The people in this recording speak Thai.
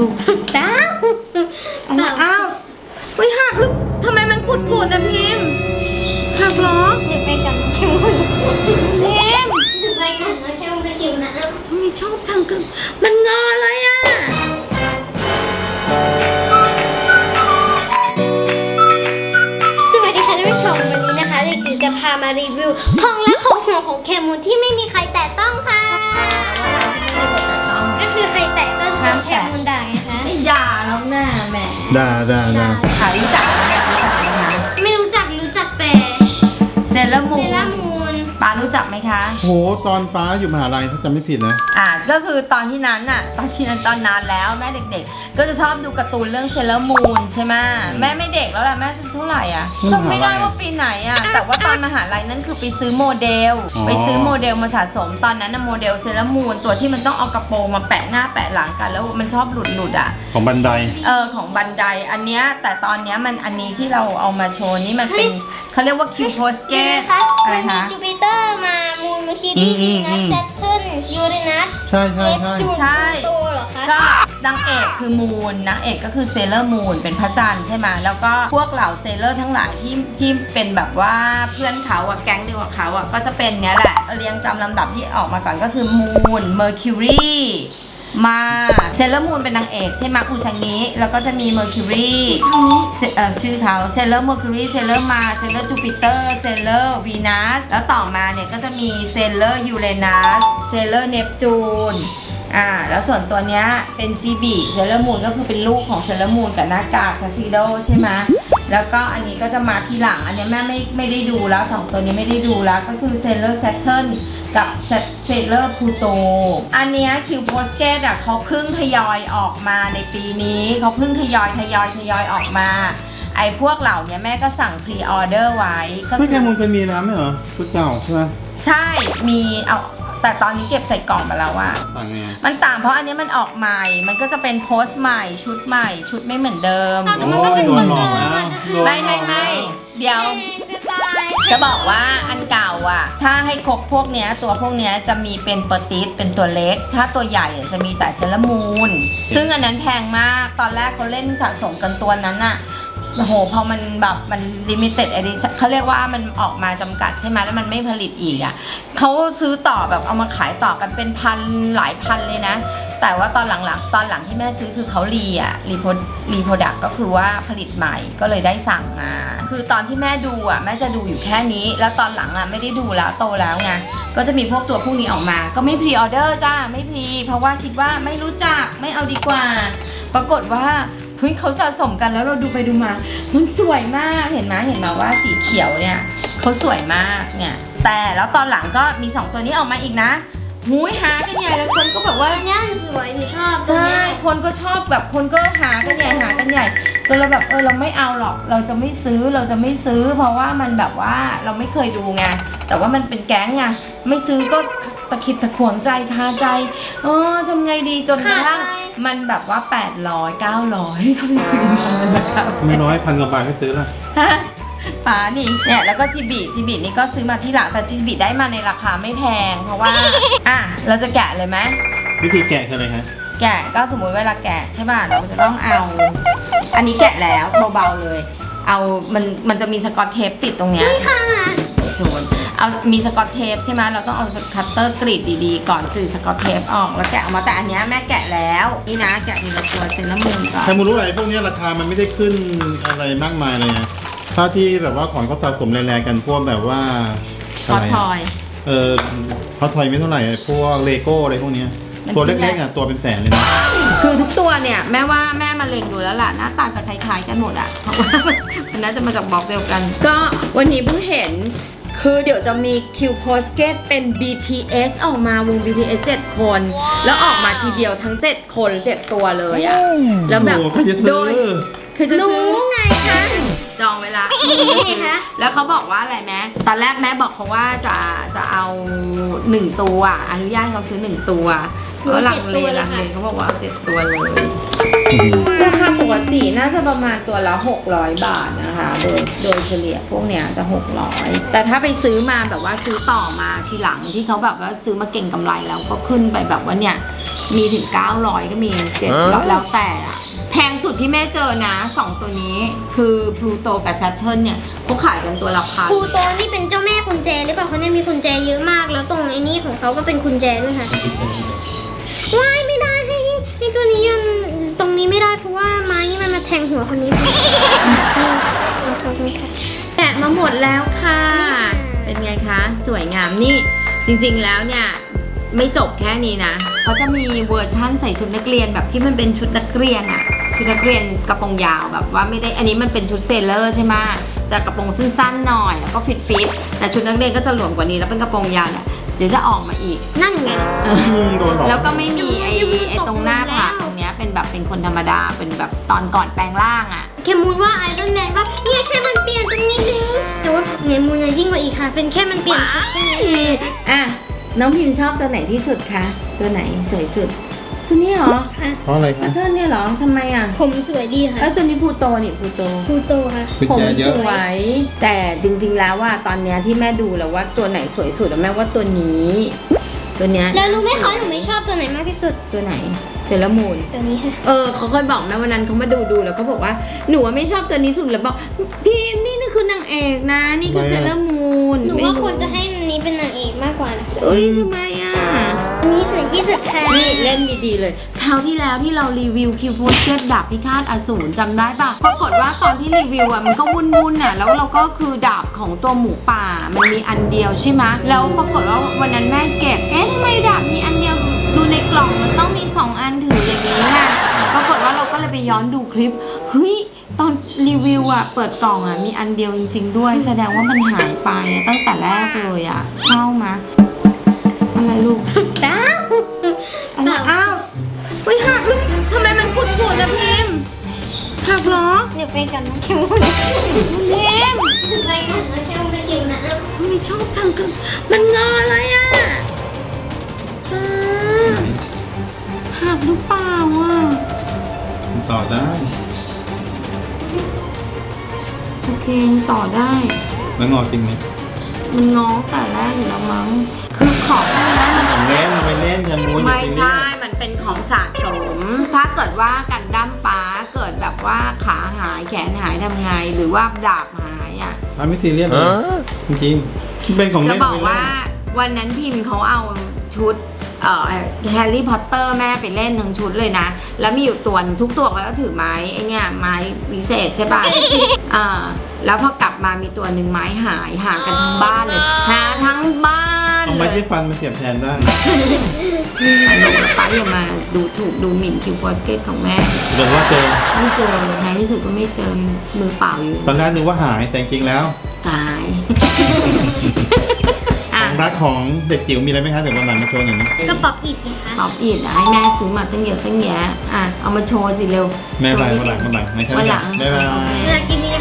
ดาวอ้าวอุ้ยหักหรือทำไมมันกุดๆนะพิมพ์หักเหรอเดี๋ยวไปกันแค่วันพิมพ์ไปกันแค่วันไปกินนะไม่ชอบทำกันมันงอเลยอ่ะสวัสดีค่ะท่านผู้ชมวันนี้นะคะเด็กจิ๋วจะพามารีวิวของลับของหัวของแคมูนที่ไม่มีใครแตะต้องค่ะก็คือใครแตะต้องของแคมูนได้นะคะอย่าแล้วหน้าแหมด่าขารู้จักไหมคะไม่รู้จักแต่เซเลอร์มูเซนรามูนป้ารู้จักไหมคะโหตอนฟ้าอยู่มหาลัยถ้าจำไม่ผิดนะก็คือตอนที่นั้นตอนนานแล้วแม่เด็กๆก็จะชอบดูการ์ตูนเรื่องเซเลอร์มูนใช่ไหมแม่ไม่เด็กแล้วแหละแม่เท่าไหร่อ่ะจำไม่ได้ว่าปีไหนอ่ะแต่ว่าตอนมหาลัยนั่นคือไปซื้อโมเดลมาสะสมตอนนั้นนะโมเดลเซเลอร์มูนตัวที่มันต้องเอากระโปรงมาแปะหน้าแปะหลังกันแล้วมันชอบหลุดอ่ะของบันไดของบันไดอันเนี้ยแต่ตอนเนี้ยมันอันนี้ที่เราเอามาโชว์นี่มันเป็นเขาเรียกว่าคิวโพสเกตอะไรมันมีคะจูปิเตอร์มามูนมาคิรีวีนัสแซตเทิร์นยูเรนัสใช่เนปจูนโตเหรอคะก็นางเอกคือมูนนางเอกก็คือเซเลอร์มูนเป็นพระจันทร์ใช่ไหมแล้วก็พวกเหล่าเซเลอร์ทั้งหลายที่เป็นแบบว่าเพื่อนเขาอะแก๊งเดียวกับเขาอะก็จะเป็นเนี้ยแหละเรียงตามลำดับที่ออกมาก่อนก็คือมูนเมอร์คิวรีมาเซเลอร์มูนเป็นนางเอกใช่ไหมอุชางิแล้วก็จะมีเมอร์คิวรีชื่อเขาเซเลอร์เมอร์คิวรีเซเลอร์มาเซเลอร์จูปิเตอร์เซเลอร์วีนัสแล้วต่อมาเนี่ยก็จะมีเซเลอร์ยูเรนัสเซเลอร์เนปจูนแล้วส่วนตัวเนี้ยเป็นจีบีเซเลอร์มูนก็คือเป็นลูกของเซเลอร์มูนกับหน้ากากทักซิโดใช่ไหมแล้วก็อันนี้ก็จะมาทีหลังอันนี้แม่ไม่ได้ดูแล้ว2ตัวนี้ไม่ได้ดูแล้วก็คือเซเลอร์แซตเทิร์นกับเซเลอร์พูโตอันเนี้ยคิวโพสเกตเขาเพิ่งทยอยออกมาในปีนี้เขาเพิ่งทยอยออกมาไอ้พวกเหล่านี้แม่ก็สั่งพรีออเดอร์ไว้ก็ไม่แค่มูลเคยมีแล้วไม่เหรอชุดเก่าใช่ไหมใช่มีแต่ตอนนี้เก็บใส่กล่องไปแล้วอะต่างไงมันต่างเพราะอันนี้มันออกใหม่ มันก็จะเป็นโพสต์ใหม่ชุดใหม่ชุดไม่เหมือนเดิมแต่มันก็เป็นคนเดิมอาจจะซื้อไม่เดี๋ยวสไตล์จะบอกว่าอันเก่าอะถ้าให้ครบพวกเนี้ยตัวพวกเนี้ยจะมีเป็นเปอร์ติสเป็นตัวเล็ก ถ้าตัวใหญ่จะมีแต่เซเลอร์มูนซึ่งอันนั้นแพงมากตอนแรกเขาเล่นสะสมกันตัวนั้นอะโอ้โหพอมันแบบมันลิมิเต็ดเอดิชั่นเขาเรียกว่ามันออกมาจำกัดใช่ไหมแล้วมันไม่ผลิตอีกอ่ะเขาซื้อต่อแบบเอามาขายต่อกันเป็นพันหลายพันเลยนะแต่ว่าตอนหลังที่แม่ซื้อคือเขารีโปรดักก็คือว่าผลิตใหม่ก็เลยได้สั่งมาคือตอนที่แม่ดูอ่ะแม่จะดูอยู่แค่นี้แล้วตอนหลังอ่ะไม่ได้ดูแล้วโตแล้วไงก็จะมีพวกตัวพวกนี้ออกมาก็ไม่พรีออเดอร์จ้าไม่พรีเพราะว่าคิดว่าไม่รู้จักไม่เอาดีกว่าปรากฏว่าเฮ้ยเขาสะสมกันแล้วเราดูไปดูมามันสวยมากเห็นไหมว่าสีเขียวเนี่ยเขาสวยมากเนี่ยแต่แล้วตอนหลังก็มี2ตัวนี้ออกมาอีกนะหูยหากันใหญ่แล้วคนก็แบบว่าอันนี้สวยหนูชอบใช่คนก็ชอบแบบคนก็หากันใหญ่จนเราแบบเราไม่เอาหรอกเราจะไม่ซื้อเพราะว่ามันแบบว่าเราไม่เคยดูไงแต่ว่ามันเป็นแก๊งไงไม่ซื้อก็ตะขิดตะขวงใจคาใจทำไงดีจนกระทั่งมันแบบว่า800 900เขาไปซื้อมานะครับไม่น้อย1,000 กว่าบาทให้ซื้อละฮะป๋านี่เนี่ยแล้วก็จีบีนี่ก็ซื้อมาที่หลังแต่จีบีได้มาในราคาไม่แพงเพราะว่าเราจะแกะเลยไหมวิธีแกะคืออะไรคะแกะก็สมมุติเวลาแกะใช่ป่ะเราจะต้องเอาอันนี้แกะแล้วเบาๆเลยเอามันจะมีสกอตเทปติดตรงเนี้ยค่ะเอามีสกอตเทปใช่ไหมเราต้องเอาคัตเตอร์กรีดดีๆก่อนกรีดสกอตเทปออกแล้วแกะออกมาแต่อันเนี้ยแม่แกะแล้วนี่นะแกะทีละตัวเซเลอร์มูนก่อนแค่มูลรู้อะไรพวกนี้ราคามันไม่ได้ขึ้นอะไรมากมายเลยนะถ้าที่แบบว่าของเขาสะสมแรงๆกันพวกแบบว่าพอทอยเขาทอยไม่เท่าไหร่พวกเลโก้อะไรพวกนี้ตัวเล็กๆตัวเป็นแสนเลยนะคือทุกตัวเนี่ยแม่ว่าแม่มาเล็งดูแล้วล่ะหน้าตาจะคล้ายๆกันหมดอ่ะเพราะว่ามันน่าจะมาจากบล็อกเดียวกัน ก็วันนี้เพิ่งเห็นคือเดี๋ยวจะมีคิวโพสเกตเป็น BTS ออกมาวง BTS 7 คน แล้วออกมาทีเดียวทั้ง7 คน7 ตัวเลยอ่ะแล้วแบบโอ้โหใครจะซื้อโดยคือจะหนูซื้อไงคะจองเวลานี่ไงคะแล้วเขาบอกว่าอะไรแม่ตอนแรกแม่บอกเขาว่าจะเอา1 ตัวอนุญาตให้เขาซื้อ1 ตัวแล้วลังเลเขาบอกว่าเอา7 ตัวเลยราคาปกติน่าจะประมาณตัวละ600 บาทนะคะโดยเฉลี่ยพวกเนี้ยจะ600แต่ถ้าไปซื้อมาแบบว่าซื้อต่อมาทีหลังที่เขาแบบว่าซื้อมาเก่งกำไรแล้วก็ขึ้นไปแบบว่าเนี่ยมีถึง900ก็มี700แล้วแต่อะแพงสุดที่แม่เจอนะ2ตัวนี้คือพลูโตกับ Saturn เนี่ยเขาขายกันตัวละพันครูโตนี่เป็นเจ้าแม่กุญแจหรือเปล่าเขาเนี่ยมีกุญแจเยอะมากแล้วตรงไอ้นี่ของเขาก็เป็นกุญแจด้วยค่ะว้ายไม่ได้ให้ตัวนี้ยืนตรงนี้ไม่ได้เพราะว่าไม้นี่มันมาแทงหัวคนนี้แกะมาหมดแล้วค่ะ เป็นไงคะ สวยงามนี่จริงๆแล้วเนี่ยไม่จบแค่นี้นะเขาจะมีเวอร์ชั่นใส่ชุดนักเรียนแบบที่มันเป็นชุดนักเรียนอะชุดนักเรียนกระโปรงยาวแบบว่าไม่ได้อันนี้มันเป็นชุดเซเลอร์ใช่ไหมจะกระโปรงสั้นๆหน่อยแล้วก็ฟิตแต่ชุดนักเรียนก็จะหลวมกว่านี้แล้วเป็นกระโปรงยาวเนี่ยเดี๋ยวจะออกมาอีกนั่นไงโดนหลอกแล้วก็ไม่มีไอ้ตรงหน้าผากตรงเนี้ยเป็นแบบเป็นคนธรรมดาเป็นแบบตอนก่อนแปลงร่างอะแคมูนว่าไอรอนแมนว่าเนี่ยแค่มันเปลี่ยนตรงนี้นึงแต่ว่าแคมูนยิ่งกว่าอีกค่ะเป็นแค่มันเปลี่ยนชุดแค่นั้นเองอ่ะน้องพิมพ์ชอบตัวไหนที่สุดคะตัวไหนสวยสุดตัวนี้เหรอค่ะเพราะอะไรซัคะตเทิร์นเนี่ยเหรอทำไมอ่ะผมสวยดีค่ะแล้วตัวนี้พลูโตนี่พลูโตครูโตค่ะกุญผมแจเยสอะวย แต่จริงๆแล้วว่าตอนเนี้ยที่แม่ดูแล้วว่าตัวไหนสวยสุดอะแม่ว่าตัวนี้ ตัวเนี้ยแล้วรู้ไหมคะหนูไม่ชอบตัวไหนมากที่สุดตัวไหนเซเลอร์มูนตัวนี้ค่ะเขาเคยบอกแม่วันนั้นเขามาดูแล้วเขาบอกว่าหนูไม่ชอบตัวนี้สุดแล้วบอกพิมพ์นี่คือนางเอกนะนี่คือเซเลอร์มูนหนูว่าควรจะให้อันนี้เป็นนางเอกมากกว่านะคะเอ้ยทำไมอ่ะอันนี้สวยที่สุดค่ะนี่เล่นดีๆเลยคราวที่แล้วที่เรารีวิวคิวโพสเก็ตดาบพิฆาตอสูรจำได้ปะปรากฏว่าตอนที่รีวิวอ่ะมันก็วุ่นๆอ่ะแล้วเราก็คือดาบของตัวหมูป่ามันมีอันเดียวใช่ไหมแล้วปรากฏว่าวันนั้นแม่เก็บทำไมดาบมีอันเดียวดูในกล่องมันต้องมี2 อันถืออย่างนี้ค่ะปรากฏว่าเราก็เลยไปย้อนดูคลิปเฮ้ยตอนรีวิวอ่ะเปิดกล่องอ่ะมีอันเดียวจริงๆด้วยแสดงว่ามันหายไปตั้งแต่แรกเลยอ่ะเช่ามะอะไรลูกดาวอะไรอ้าวเฮ้ยหักลูกทำไมมันปุดๆนะพิมพ์หักเหรอเดี๋ยวไปกันนะแคมูนพิมพ์ไปกันนะแคมูนไปกินนะทำไมชอบทำกันมันงออะไรอ่ะหักหรือเปล่าอ่ะต่อได้โอเคต่อได้แล้วงอจริงไหมมันงอแต่แรกอยู่แล้วมั้งคือของพวกนี้มันเล่นไปเล่นอย่าม้วนอย่าไม่ซีเรียใช่สมันเป็นของสะสม ถ้าเกิดว่ากันดั้มป้าเกิดแบบว่าขาหายแขนหายทำไง หรือว่าดาบหายอ่ะไม่ซีเรียสเลยจริงๆเป็นของจะเล่นบอกว่าวันนั้นพิมพ์เขาเอาชุดแฮร์รี่พอตเตอร์แม่ไปเล่นทั้งชุดเลยนะ แล้วมีอยู่ตัวหนึ่งทุกตัวเขาก็ถือไม้ไอ้เนี่ยไม้วิเศษใช่ป่ะ แล้วพอกลับมามีตัวหนึ่งไม้หายหากันทั้งบ้านเลยหาทั้งบ้านเอาเลไม้ยที่ฟันมาเสียบแทนได้ป้าอย่ามาดูถูกดูหมิ่นคิวโพสเกตของแม่หรือว่าเจอไม่เจอในที่สุดก็ไม่เจอมือเปล่าอยู่ตอนแรกนึกว่าหายแต่จริงๆแล้วตายของรักของเด็กจิ๋วมีอะไรไหมคะเดี๋ยววันหลังมาโชว์หน่อยนะก็ป๊อปอิดนะคะตอบอีกให้แม่ซื้อมาตั้งเยอะตั้งแยะเอามาโชว์สิเร็วแม่โชไปว์นิดวันหลังนึงนะครับวันหลังบ๊ายบายโอเคเวลาคลิปนี้